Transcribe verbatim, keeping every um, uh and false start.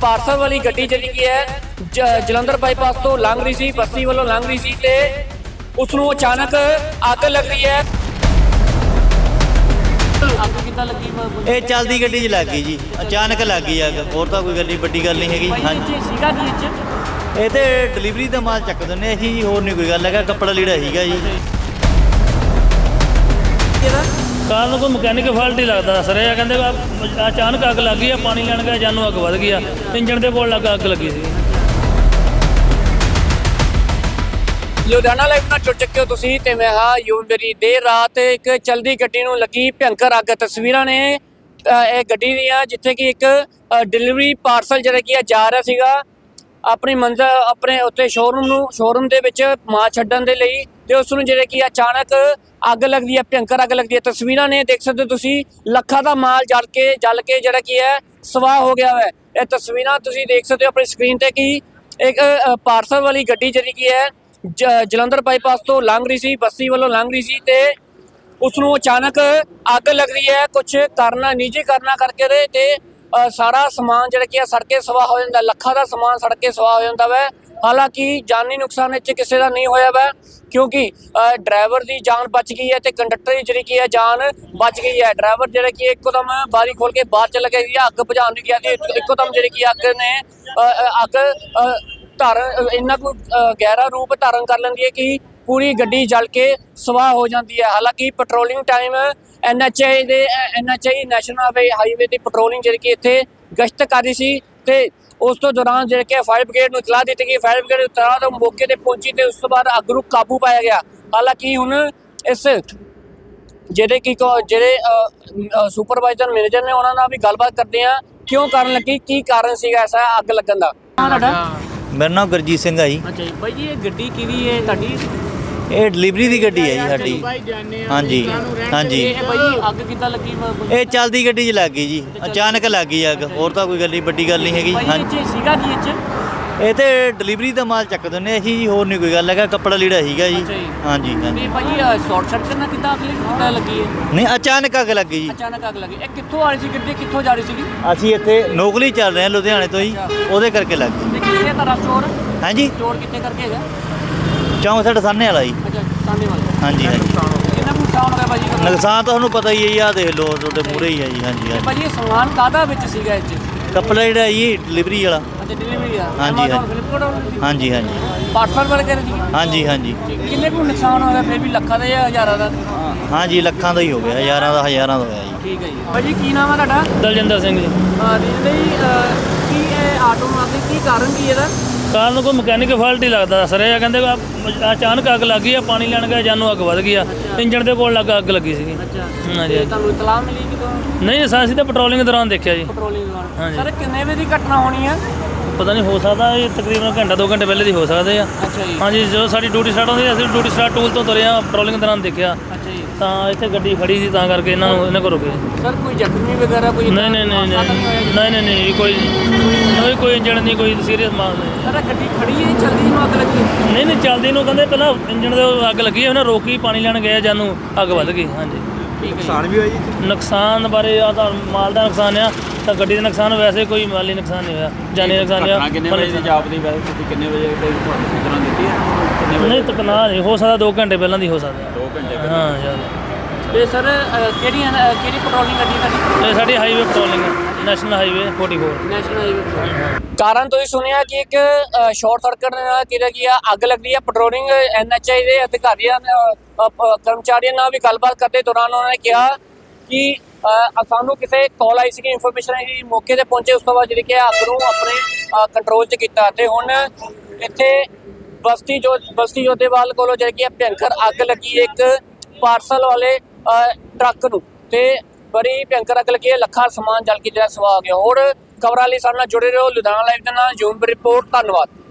Parcel ਵਾਲੀ ਗੱਡੀ ਜਿਹੜੀ ਕੀ ਹੈ ਜ- ਜਲੰਧਰ ਬਾਈਪਾਸ ਤੋਂ ਲੰਘ ਰਹੀ ਸੀ, ਬਸਤੀ ਵੱਲੋਂ ਲੰਘ ਰਹੀ ਸੀ ਤੇ ਉਸ ਨੂੰ ਅਚਾਨਕ ਅੱਗ ਲੱਗ ਰਹੀ ਹੈ। ਅੱਗ ਕਿੱਦਾਂ ਲੱਗੀ? ਇਹ ਚੱਲਦੀ ਗੱਡੀ 'ਚ ਲੱਗ ਗਈ ਜੀ, ਅਚਾਨਕ ਲੱਗ ਗਈ ਅੱਗ। ਹੋਰ ਤਾਂ ਕੋਈ ਗੱਲ ਨਹੀਂ, ਵੱਡੀ ਗੱਲ ਨਹੀਂ ਹੈਗੀ। ਹਾਂਜੀ ਸੀਗਾ ਕੀ ਇਹ 'ਚ? ਇਹ ਤੇ ਡਿਲੀਵਰੀ ਦਾ ਮਾਲ ਚੱਕ ਦਿੰਦੇ ਅਸੀਂ ਜੀ, ਹੋਰ ਨਹੀਂ ਕੋਈ ਗੱਲ ਹੈਗਾ। ਕੱਪੜਾ ਲੀੜਾ ਸੀਗਾ ਜੀ। ਕਾਰ ਨੂੰ ਕੋਈ ਮਕੈਨਿਕ ਫਾਲਟ ਹੀ ਲੱਗਦਾ ਸਰ। ਇਹ ਕਹਿੰਦੇ ਵੀ ਅਚਾਨਕ ਅੱਗ ਲੱਗ ਗਈ ਆ, ਪਾਣੀ ਲੈਣ ਗਿਆ ਜਾਨੂੰ ਅੱਗ ਵੱਧ ਗਈ ਆ, ਇੰਜਣ ਦੇ ਕੋਲ ਲੱਗ ਅੱਗ ਲੱਗੀ ਸੀ। ਲੁਧਿਆਣਾ ਲਾਈਵ ਨਾਲ ਜੁੜ ਚੁੱਕੇ ਹੋ ਤੁਸੀਂ ਤੇ ਮੈਂ ਹਾਂ ਯੂਨਬਰੀ। ਦੇਰ ਰਾਤ ਇੱਕ ਚਲਦੀ ਗੱਡੀ ਨੂੰ ਲੱਗੀ ਭਿਅੰਕਰ ਅੱਗ। ਤਸਵੀਰਾਂ ਨੇ ਇਹ ਗੱਡੀ ਦੀਆਂ ਜਿੱਥੇ ਕਿ ਇੱਕ ਡਿਲੀਵਰੀ ਪਾਰਸਲ ਜਿਹੜਾ ਕੀ ਜਾ ਰਿਹਾ ਸੀਗਾ ਆਪਣੀ ਮੰਜ਼ਿਲ ਆਪਣੇ ਉੱਤੇ ਸ਼ੋਰੂਮ ਨੂੰ ਸ਼ੋਰੂਮ ਦੇ ਵਿੱਚ ਮਾਲ ਛੱਡਣ ਦੇ ਲਈ, ਤੇ ਉਸ ਨੂੰ ਜਿਹੜੇ ਕਿ ਅਚਾਨਕ ਅੱਗ ਲੱਗਦੀ ਹੈ, ਭਿਅੰਕਰ ਅੱਗ ਲੱਗਦੀ ਹੈ। ਤਸਵੀਰਾਂ ਨੇ ਦੇਖ ਸਕਦੇ ਹੋ ਤੁਸੀਂ, ਲੱਖਾਂ ਦਾ ਮਾਲ ਜਲ ਕੇ ਜਲ ਕੇ ਜਿਹੜਾ ਕੀ ਹੈ ਸਵਾਹ ਹੋ ਗਿਆ ਹੈ। ਇਹ ਤਸਵੀਰਾਂ ਤੁਸੀਂ ਦੇਖ ਸਕਦੇ ਹੋ ਆਪਣੀ ਸਕਰੀਨ ਤੇ ਕਿ ਇੱਕ ਪਾਰਸਲ ਵਾਲੀ ਗੱਡੀ ਜਿਹੜੀ ਕੀ ਹੈ ਜ- ਜਲੰਧਰ ਬਾਈਪਾਸ ਤੋਂ ਲੰਘ ਰਹੀ ਸੀ, ਬਸਤੀ ਵੱਲੋਂ ਲੰਘ ਰਹੀ ਸੀ ਤੇ ਉਸ ਨੂੰ ਅਚਾਨਕ ਅੱਗ ਲੱਗ ਰਹੀ ਹੈ। ਕੁਝ ਕਾਰਨਾਂ ਨਿੱਜੀ ਕਾਰਨਾਂ ਕਰਕੇ ਦੇ ਤੇ ਸਾਰਾ ਸਮਾਨ ਜਿਹੜਾ ਕੀ ਹੈ ਸੜ ਕੇ ਸਵਾਹ ਹੋ ਜਾਂਦਾ। ਲੱਖਾਂ ਦਾ ਸਮਾਨ ਸੜ ਕੇ ਸਵਾਹ ਹੋ ਜਾਂਦਾ ਵੈ। ਹਾਲਾਂਕਿ ਜਾਨੀ ਨੁਕਸਾਨ ਇੱਥੇ ਕਿਸੇ ਦਾ ਨਹੀਂ ਹੋਇਆ ਵੈ, ਕਿਉਂਕਿ ਡਰਾਈਵਰ ਦੀ ਜਾਨ ਬਚ ਗਈ ਹੈ ਤੇ ਕੰਡਕਟਰ ਦੀ ਜਿਹੜੀ ਕੀ ਹੈ ਜਾਨ ਬਚ ਗਈ ਹੈ। ਡਰਾਈਵਰ ਜਿਹੜਾ ਕਿ ਇੱਕੋਦਮ ਬਾਰੀ ਖੋਲ ਕੇ ਬਾਹਰ ਚਲਾ ਗਿਆ ਸੀ, ਅੱਗ ਬੁਝਾਉਣ ਨਹੀਂ ਗਿਆ ਸੀ। ਇੱਕੋਦਮ ਜਿਹੜੀ ਕੀ ਅੱਗ ਨੇ ਅੱਗ ਧਾਰਨ ਇੰਨਾ ਕੁ ਗਹਿਰਾ ਰੂਪ ਧਾਰਨ ਕਰ ਲੈਂਦੀ ਹੈ ਕਿ ਪੂਰੀ ਗੱਡੀ ਜਲ ਕੇ ਸਵਾਹ ਹੋ ਜਾਂਦੀ ਹੈ। ਹਾਲਾਂਕਿ patrolling time N H A ਦੇ N H A national highway ਦੀ ਪੈਟਰੋਲਿੰਗ ਜਿਹੜੀ ਕਿ ਇੱਥੇ ਗਸ਼ਤ ਕਰ ਰਹੀ ਸੀ ਤੇ ਉਸ ਤੋਂ ਦੌਰਾਨ ਜਿਹੜੇ ਕਿ ਫਾਇਰ ਬ੍ਰਿਗੇਡ ਨੂੰ ਇਤਲਾਹ ਦਿੱਤੀ ਗਈ। ਫਾਇਰ ਬ੍ਰਿਗੇਡ ਇਤਲਾਹ ਤੋਂ ਮੌਕੇ ਤੇ ਪਹੁੰਚੀ ਤੇ ਉਸ ਤੋਂ ਬਾਅਦ ਅੱਗ ਨੂੰ ਕਾਬੂ ਪਾਇਆ ਗਿਆ। ਹਾਲਾਂਕਿ ਹੁਣ ਇਸ ਜਿਹੜੇ ਕਿ ਜਿਹੜੇ ਸੁਪਰਵਾਈਜ਼ਰ ਮੈਨੇਜਰ ਨੇ ਉਹਨਾਂ ਨਾਲ ਵੀ ਗੱਲਬਾਤ ਕਰਦੇ ਆ, ਕਿਉਂ ਕਾਰਨ ਲੱਗੀ, ਕੀ ਕਾਰਨ ਸੀਗਾ ਐਸਾ ਅੱਗ ਲੱਗਣ ਦਾ। ਮੇਰਾ ਨਾਮ ਗੁਰਜੀਤ ਸਿੰਘ ਆ ਜੀ। ਅੱਛਾ ਜੀ ਬਾਈ ਜੀ, ਇਹ ਗੱਡੀ ਕਿਹਦੀ ਹੈ ਤੁਹਾਡੀ? ਇਹ ਡਿਲੀਵਰੀ ਦੀ ਗੱਡੀ ਹੈ ਜੀ ਸਾਡੀ। ਹਾਂਜੀ ਹਾਂਜੀ। ਇਹ ਬਾਈ ਜੀ ਅੱਗ ਕਿੱਦਾਂ ਲੱਗੀ? ਇਹ ਚੱਲਦੀ ਗੱਡੀ 'ਚ ਲੱਗ ਗਈ ਜੀ, ਅਚਾਨਕ ਲੱਗ ਗਈ ਅੱਗ। ਹੋਰ ਤਾਂ ਕੋਈ ਗੱਲ ਨਹੀਂ, ਵੱਡੀ ਗੱਲ ਨਹੀਂ ਹੈਗੀ। ਹਾਂਜੀ ਇਹ ਸੀਗਾ ਕੀ ਇਹ 'ਚ? ਇਹ ਤੇ ਡਿਲੀਵਰੀ ਦਾ ਮਾਲ ਚੱਕ ਦਿੰਦੇ ਅਸੀਂ ਜੀ, ਹੋਰ ਨਹੀਂ ਕੋਈ ਗੱਲ ਹੈਗਾ। ਕੱਪੜਾ ਲੀੜਾ ਸੀਗਾ ਜੀ। ਹਾਂਜੀ ਹਾਂਜੀ। ਤੇ ਭਾਈ ਸ਼ਾਰਟ ਸਰਕਟ ਨਾਲ ਕਿੱਦਾਂ ਅੱਗ ਕਿੱਦਾਂ ਲੱਗੀ ਹੈ? ਨਹੀਂ, ਅਚਾਨਕ ਅੱਗ ਲੱਗੀ ਜੀ। ਅਚਾਨਕ ਅੱਗ ਲੱਗੀ। ਇਹ ਕਿੱਥੋਂ ਆ ਰਹੀ ਸੀ ਗੱਡੀ, ਕਿੱਥੋਂ ਜਾ ਰਹੀ ਸੀਗੀ? ਅਸੀਂ ਇੱਥੇ ਨੌਕਰੀ ਚੱਲ ਰਹੇ ਹਾਂ ਲੁਧਿਆਣੇ ਤੋਂ ਜੀ, ਉਹਦੇ ਕਰਕੇ ਲੱਗ ਗਈ। ਤੇ ਕਿੱਥੇ ਹੈ ਤੁਹਾਡਾ ਸਟੋਰ? ਹਾਂਜੀ, ਸਟੋਰ ਕਿੱਥੇ ਕਰਕੇ ਹੈਗਾ? ਚੌਂਕ ਸਾਡਾ ਸਾਹਮਣੇ ਵਾਲਾ ਜੀ। ਅੱਛਾ ਸਾਹਮਣੇ ਵਾਲਾ। ਹਾਂਜੀ ਹਾਂਜੀ। ਕਿੰਨਾ ਕੁ ਨੁਕਸਾਨ ਹੋ ਗਿਆ ਭਾਜੀ? ਨੁਕਸਾਨ ਤਾਂ ਤੁਹਾਨੂੰ ਪਤਾ ਹੀ ਹੈ ਜੀ, ਆਹ ਦੇਖ ਲਓ ਤੁਹਾਡੇ ਮੂਹਰੇ ਹੀ ਹੈ ਜੀ। ਹਾਂਜੀ ਹਾਂਜੀ। ਭਾਜੀ ਇਹ ਸਮਾਨ ਕਾਹਦਾ ਵਿੱਚ ਸੀਗਾ ਇਹ 'ਚ? ਕੱਪੜਾ ਜਿਹੜਾ ਜੀ ਡਿਲੀਵਰੀ ਵਾਲਾ। ਅੱਛਾ ਡਿਲੀਵਰੀ ਆ? ਹਾਂਜੀ, ਹਾਂਜੀ। ਹਾਂਜੀ ਹਾਂਜੀ ਪਾਰਸਲ ਵਾਲੇ ਕਰ ਜੀ? ਹਾਂਜੀ ਹਾਂਜੀ। ਕਿੰਨੇ ਕੁ ਨੁਕਸਾਨ ਹੋ ਗਿਆ ਫਿਰ ਵੀ? ਲੱਖਾਂ ਦਾ ਜਾਂ ਹਜ਼ਾਰਾਂ ਦਾ? ਹਾਂਜੀ, ਲੱਖਾਂ ਦਾ ਹੀ ਹੋ ਗਿਆ, ਹਜ਼ਾਰਾਂ ਦਾ ਹਜ਼ਾਰਾਂ ਦਾ ਹੋਇਆ ਜੀ। ਠੀਕ ਹੈ ਜੀ। ਭਾਜੀ ਕੀ ਨਾਮ ਹੈ ਤੁਹਾਡਾ? ਦਲਜਿੰਦਰ ਸਿੰਘ ਜੀ। ਹਾਂ ਜੀ ਕੀ ਇਹ ਆਟੋ ਨੂੰ ਅੱਗ ਕੀ ਕਾਰਨ ਕੀ ਇਹਦਾ? ਕਾਰ ਨੂੰ ਕੋਈ ਮਕੈਨਿਕ ਫਾਲਟ ਹੀ ਲੱਗਦਾ ਸਰ। ਇਹ ਕਹਿੰਦੇ ਵੀ ਅਚਾਨਕ ਅੱਗ ਲੱਗ ਗਈ ਆ, ਪਾਣੀ ਲੈਣ ਗਿਆ ਜਾਨੂੰ ਅੱਗ ਵੱਧ ਗਈ ਆ, ਇੰਜਣ ਦੇ ਕੋਲ ਲੱਗ ਅੱਗ ਲੱਗੀ ਸੀਗੀ। ਅੱਛਾ ਹਾਂਜੀ। ਤੇ ਤੁਹਾਨੂੰ ਇਤਲਾਹ ਮਿਲੀ ਕਿਦੋਂ? ਨਹੀਂ ਸਰ, ਅਸੀਂ ਤਾਂ ਪੈਟਰੋਲਿੰਗ ਦੌਰਾਨ ਦੇਖਿਆ ਜੀ। ਪੈਟਰੋਲਿੰਗ ਦੌਰਾਨ। ਹਾਂਜੀ। ਸਰ ਕਿੰਨੇ ਵਜੇ ਦੀ ਘਟਨਾ ਹੋਣੀ ਹੈ? ਪਤਾ ਨਹੀਂ, ਹੋ ਸਕਦਾ ਇਹ ਤਕਰੀਬਨ ਘੰਟਾ ਦੋ ਘੰਟੇ ਪਹਿਲੇ ਦੀ ਹੋ ਸਕਦੇ ਆ। ਅੱਛਾ ਜੀ। ਹਾਂਜੀ, ਜਦੋਂ ਸਾਡੀ ਡਿਊਟੀ ਸਟਾਰਟ ਹੁੰਦੀ ਅਸੀਂ ਡਿਊਟੀ ਸਟਾਰਟ ਟੂਲ ਤੋਂ ਤੁਰੇ ਆ, ਪੈਟਰੋਲਿੰਗ ਦੌਰਾਨ ਦੇਖਿਆ ਅੱਛਾ ਜੀ। ਤਾਂ ਇੱਥੇ ਗੱਡੀ ਖੜੀ ਸੀ, ਤਾਂ ਕਰਕੇ ਇਹਨਾਂ ਨੂੰ ਇਹਨਾਂ ਕੋਲ ਰੁਕੇ। ਸਰ ਕੋਈ ਜ਼ਖਮੀ ਵਗੈਰਾ ਕੋਈ? ਨਹੀਂ ਨਹੀਂ ਨਹੀਂ ਨਹੀਂ ਨਹੀਂ ਨਹੀਂ ਨਹੀਂ ਕੋਈ ਨਹੀਂ, ਕੋਈ ਇੰਜਣ ਨਹੀਂ, ਕੋਈ ਸੀਰੀਅਸ ਮਾਲ ਨਹੀਂ। ਸਰ ਗੱਡੀ ਖੜੀ ਹੈ ਚੱਲਦੀ ਨੂੰ ਅੱਗ ਲੱਗੀ? ਨਹੀਂ ਨਹੀਂ, ਚੱਲਦੀ ਨੂੰ ਕਹਿੰਦੇ ਪਹਿਲਾਂ ਇੰਜਣ ਦੇ ਅੱਗ ਲੱਗੀ, ਉਹਨਾਂ ਰੋਕੀ, ਪਾਣੀ ਲੈਣ ਗਏ ਜਾਨੂੰ ਅੱਗ ਵੱਧ ਗਈ। ਹਾਂਜੀ। ਨੁਕਸਾਨ ਵੀ ਹੋਇਆ ਜੀ? ਨੁਕਸਾਨ ਬਾਰੇ ਆ ਤਾਂ ਮਾਲ ਦਾ ਨੁਕਸਾਨ ਆ, ਤਾਂ ਗੱਡੀ ਦਾ ਨੁਕਸਾਨ ਵੈਸੇ ਕੋਈ ਮਾਲੀ ਨੁਕਸਾਨ ਨਹੀਂ ਹੋਇਆ, ਜਾਨੀ ਨੁਕਸਾਨ ਆ। ਕਿੰਨੇ ਵਜੇ ਦੀ ਜਾਪ ਦੀ ਵੈਸੇ ਤੁਸੀਂ ਕਿੰਨੇ ਵਜੇ ਤੇ ਤੁਹਾਨੂੰ ਸੂਚਨਾ ਦਿੱਤੀ ਹੈ? ਕਿੰਨੇ ਵਜੇ? ਨਹੀਂ ਤਕਨਾ ਨਹੀਂ ਹੋ ਸਕਦਾ, ਦੋ ਘੰਟੇ ਪਹਿਲਾਂ ਦੀ ਹੋ ਸਕਦਾ। ਦੋ ਘੰਟੇ ਹਾਂ ਯਾਰ। ਤੇ ਸਰ ਕਿਹੜੀ ਕਿਹੜੀ ਪੈਟਰੋਲਿੰਗ ਗੱਡੀ ਤੁਹਾਡੀ? ਇਹ ਸਾਡੀ ਹਾਈਵੇ ਪੈਟਰੋਲਿੰਗ ਹੈ, ਨੈਸ਼ਨਲ ਹਾਈਵੇ ਚੌਂਤਾਲੀ। National highway. ਕਾਰਨ ਤੁਸੀਂ ਸੁਣਿਆ ਕਿ ਇੱਕ ਸ਼ਾਰਟ ਸਰਕਟ ਦੇ ਨਾਲ ਕਿਹੜਾ ਕੀ ਆ ਅੱਗ ਲੱਗਦੀ ਹੈ। ਪੈਟਰੋਲਿੰਗ ਐਨ ਐਚ ਏ ਦੇ ਅਧਿਕਾਰੀਆਂ ਕਰਮਚਾਰੀਆਂ ਨਾਲ ਵੀ ਗੱਲਬਾਤ ਕਰਦੇ ਦੌਰਾਨ ਉਹਨਾਂ ਨੇ ਕਿਹਾ ਕਿ ਸਾਨੂੰ ਕਿਸੇ ਕਾਲ ਆਈ ਸੀ, ਇਨਫੋਰਮੇਸ਼ਨ ਆਈ, ਮੌਕੇ ਤੇ ਪਹੁੰਚੇ, ਉਸ ਤੋਂ ਬਾਅਦ ਜਿਹੜੀ ਕਿ ਅੱਗ ਨੂੰ ਆਪਣੇ ਕੰਟਰੋਲ 'ਚ ਕੀਤਾ ਤੇ ਹੁਣ ਇੱਥੇ ਬਸਤੀ ਜੋ ਬਸਤੀ ਜੋਧੇਵਾਲ ਕੋਲੋਂ ਜਿਹੜੀ ਕਿ ਭਿਅੰਕਰ ਅੱਗ ਲੱਗੀ ਇੱਕ ਪਾਰਸਲ ਵਾਲੇ ਟਰੱਕ ਨੂੰ, ਤੇ ਬੜੀ ਭਿਅੰਕਰ ਅੱਗ ਲੱਗੀ ਹੈ। ਲੱਖਾਂ ਸਮਾਨ ਜਲ ਕੇ ਜਿਹੜਾ ਸਵਾਹ ਹੋ ਗਿਆ। ਹੋਰ ਖਬਰਾਂ ਲਈ ਸਾਡੇ ਨਾਲ ਜੁੜੇ ਰਹੋ। ਲੁਧਿਆਣਾ ਲਾਈਵ ਦੇ ਨਾਲ ਜੂਮ ਰਿਪੋਰਟ। ਧੰਨਵਾਦ।